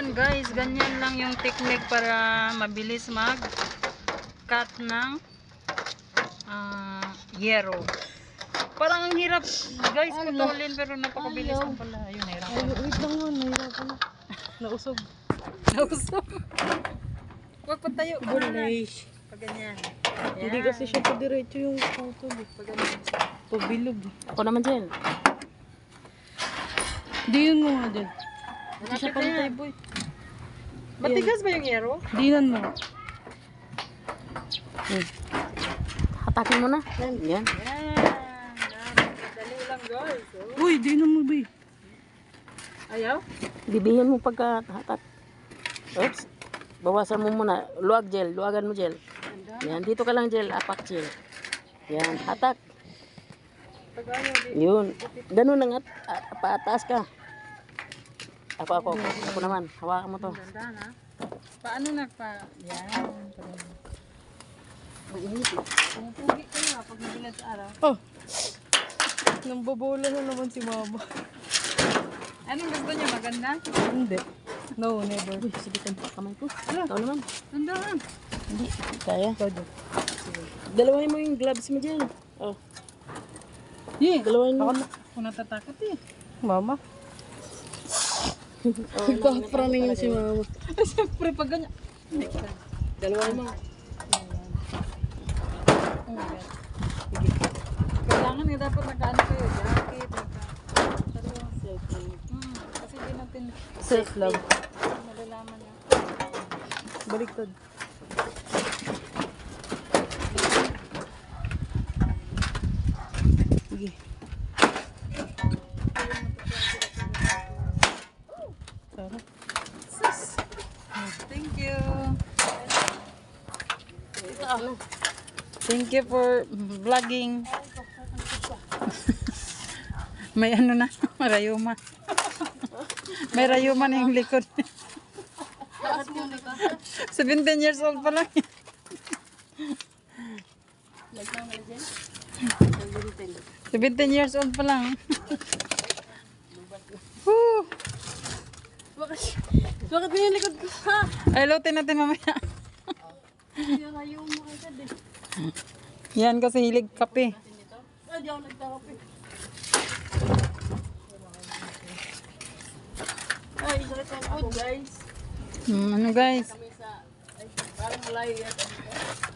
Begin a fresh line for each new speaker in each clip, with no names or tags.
Ayan guys, ganyan lang yung technique para mabilis mag-cut ng yero. Parang ang hirap guys putulin pero napakabilis lang pala. Ayun, nahirapan.
Wait lang yun, nahirapan na. Nausog.
Nausog. Huwag patayo ka na. Pag ganyan.
Hindi kasi siya pa diretso yung putol.
Pag ganyan.
Pabilog.
Ako naman dyan.
Diyan mo nga dyan.
Hindi siya pantay boy. Matigas ba yung yero?
Dinan mo.
Hatakin mo na. Yan.
Yan. Dali lang guys. Oh.
Uy, dinan mo ba?
Ayaw?
Bibihin mo pagka hatak. Oops. Bawasan mo muna. Luwag gel. Luwagan mo gel. Yan. Dito ka lang gel. Apak gel. Yan. Hatak.
Pag ayaw di.
Yun. Ganun lang at paataas ka. Ako. Ako naman. Hawakan mo to.
Ganda na. Paano nagpa... Yan. Pumupugi ka na pag nabilad sa araw.
Oh. Nambobola na naman si mama.
Anong gusto niyo? Maganda?
Hindi. No, never.
Uy, sige ka. Kamay ko. Ikaw naman.
Ganda na.
Hindi. Kaya.
Todo.
Dalawahin mo yung gloves mo dyan. Oh.
Yeah.
Dalawahin mo.
Ako natatakot eh.
Mama.
Oh,
Nagpa-praning yun si mama.
Ay, siyempre pag ganyan.
Dalawahin mo.
Oh my God. Sige. Kailangan eh, dapat nakaano kayo. Jacket, kasi di natin
Self-love.
malalaman niya.
Baliktad. Sige. Sarap.
Thank you. Thank you for vlogging. May ano na, marayuma. May rayuma na yung likod. 17 years old pa lang. 17 years old pa lang. Woo!
Bakit mo yung likod ko? Ha?
Ay, lutin natin mamaya.
Yung ayaw mo agad eh.
Yan kasi hilig kape.
Hindi ako nagtakape. Ay, sakit ang food guys.
Ano guys?
Kami sa, ay, parang malayo yata dito.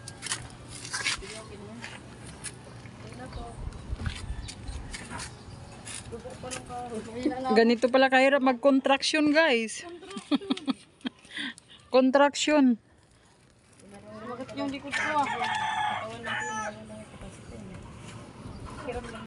Ganito pala kahirap mag-contraction guys. Contraction.
Bakit yung likod ko ah?